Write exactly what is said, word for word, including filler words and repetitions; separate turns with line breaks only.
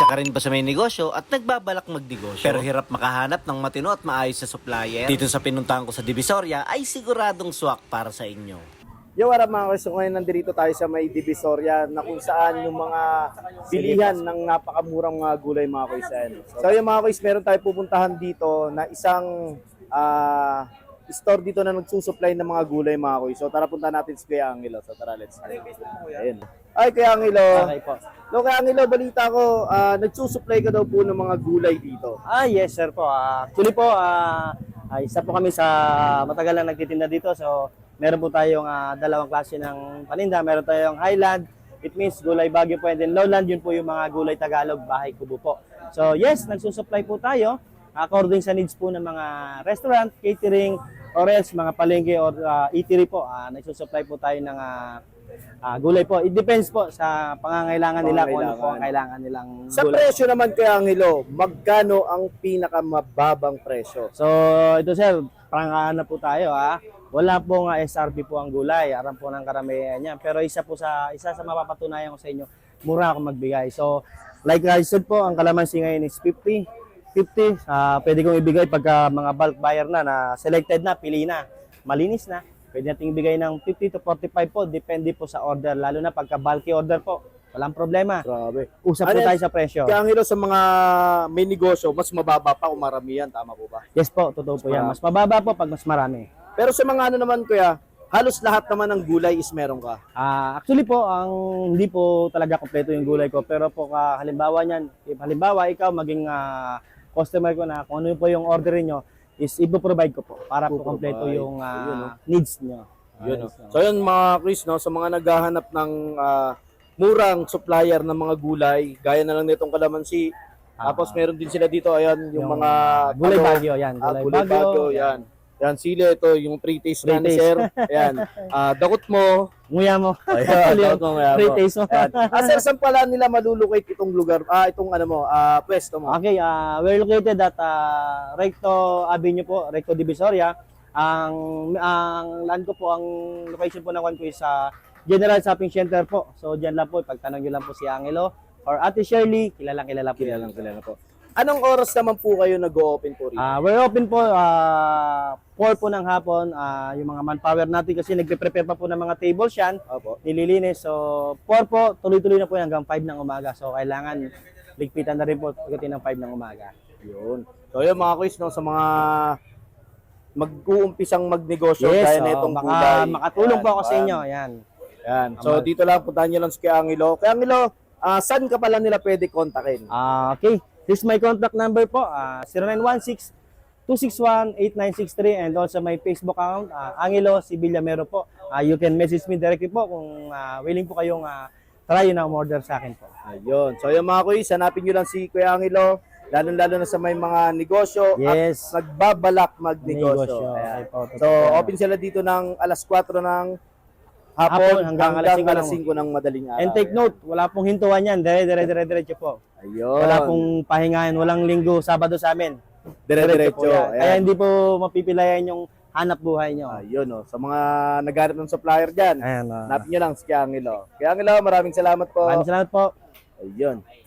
Isa ka rin ba sa may negosyo at nagbabalak magnegosyo pero hirap makahanap ng matino at maayos na supplier? Dito sa pinuntahan ko sa Divisoria ay siguradong swak para sa inyo.
Yo, what up mga guys? So, ngayon nandito tayo sa may Divisoria na kung saan yung mga bilihan ng napakamurang mga gulay mga kuys. So yung mga kuys, meron tayo pupuntahan dito na isang ah, store dito na nagsusupply ng mga gulay mga kuys. So tara punta natin si Kuya Angelo. So tara, let's go. Ayun. Ay, Kuya Angelo.
Okay po.
No, Kuya Angelo, balita ko, ah, nagsusupply ka daw po ng mga gulay dito.
Ah, yes sir po. Ah, actually po, ah, ah, isa po kami sa matagal na nagtitinda dito. So, meron po tayong ah, dalawang klase ng paninda. Meron tayong Highland, it means gulay Baguio po. And then Lowland, yun po yung mga gulay Tagalog, bahay kubo po. So, yes, nagsusupply po tayo according sa needs po ng mga restaurant, catering, or else mga palengke or ah, eatery po. Ah, nagsusupply po tayo ng ah, ah, gulay po. It depends po sa pangangailangan nila kung ano po ang kailangan nilang
Sa
gulay.
presyo naman, Kuya Angelo, magkano ang pinakamababang presyo?
So, ito sir, prangkahan na po tayo ha. Wala pong uh, S R P po ang gulay. Aram po ng karamihan niya. Pero isa po sa isa sa mapapatunayan ko sa inyo, mura ako magbigay. So, like I said po, ang kalamansi ngayon is fifty. fifty, uh, pwede kong ibigay pagka mga bulk buyer na, na selected na, pili na, malinis na. Pwede nating ibigay ng fifty to forty-five po, depende po sa order. Lalo na pagka bulky order po, walang problema.
Grabe.
Usap po
Ano,
tayo sa presyo.
Kaya Angelo, sa mga may negosyo, mas mababa pa kung maramihan, tama po ba?
Yes po, totoo po yan. Mas mababa po pag mas marami.
Pero sa mga ano naman, Kuya, halos lahat naman ng gulay is meron ka.
Ah, actually po, ang hindi po talaga kompleto yung gulay ko. Pero po, ka, halimbawa niyan, if halimbawa ikaw maging ah, customer ko na, kung ano po yung order niyo is ipo-provide ko po para po kompleto
Ipo-provide.
yung ah,
Ayun, no?
needs niyo.
Yun, no?
Ayos, no?
So yun mga Chris, no, sa mga naghahanap ng ah, murang supplier ng mga gulay, gaya na lang nitong kalamansi. Tapos meron din sila dito, ayan, yung,
Yung
mga
gulay
talong,
bagyo, yan.
ah,
Gulay,
gulay
bagyo,
bagyo, yan. Yan, sili, ito, yung pre-taste na ni
Pre-taste.
sir. Ayan, ah, dakot mo.
Nguya mo.
Ayan, dakot mo. Ayan,
Free
mo.
taste mo.
Ayan. Ah, sir, saan pala nila malulocate itong lugar, ah, itong ano mo, ah, pwesto mo?
Okay, ah, we're located at ah, Recto Avenue po, Recto Divisoria. Ang ang land ko po, ang location po ng one ko is sa General Shopping Center po. So diyan lang po, pagtanong niyo lang po si Angelo or Ate Shirley, kilalang kilala po.
Kilalang kilala po. Anong oras naman po kayo nag-o-open po rito?
Ah, we're open po ah four po ng hapon, ah yung mga manpower natin kasi nagpe-prepare pa po ng mga tables yan,
Opo.
nililinis. So four po, tuloy-tuloy na po yan hanggang five ng umaga. So kailangan ligpitan na rin po pagdating ng five ng umaga.
Yun. So yun mga quiz, no, sa mga mag-uumpisang magnegosyo
Yes,
gaya na
oh,
itong
maka,
gulay.
makatulong
Yan,
po ako sa
yan.
inyo. Yan.
Yan. So dito lang, puntahan nyo lang si Kuya Angelo. Kuya Angelo, ah, saan ka pala nila pwede kontakin?
Ah, okay. This is my contact number po, ah zero nine one six, two six one, eight nine six three, and also my Facebook account, ah, Angelo C. Villamero po. Ah, you can message me directly po kung ah, willing po kayong ah, try na umorder sa akin po.
Ayun. So yung mga quiz, hanapin nyo lang si Kuya Angelo, lalo-lalo na sa may mga negosyo
Yes.
at nagbabalak magnegosyo.
Negosyo.
Ayan.
Okay po, totoo
So
po yan.
open sila dito ng alas kwatro ng hapon,
Hapon
hanggang,
hanggang
alas
alas
singko ng madaling araw.
And take note, wala pong hintuan yan. Dire, dire, dire, diretso po.
Ayun.
Wala pong pahingahan, walang linggo, Sabado sa amin.
Dire-diretso.
po yan.
Ayan.
Kaya hindi po mapipilayan yung hanap buhay nyo.
Ayun, oh. Sa mga naghanap ng supplier dyan,
Ayan. ah.
hanapin nyo lang si Kuya Angelo. Kuya Angelo, maraming salamat po.
Maraming salamat po.
Ayun.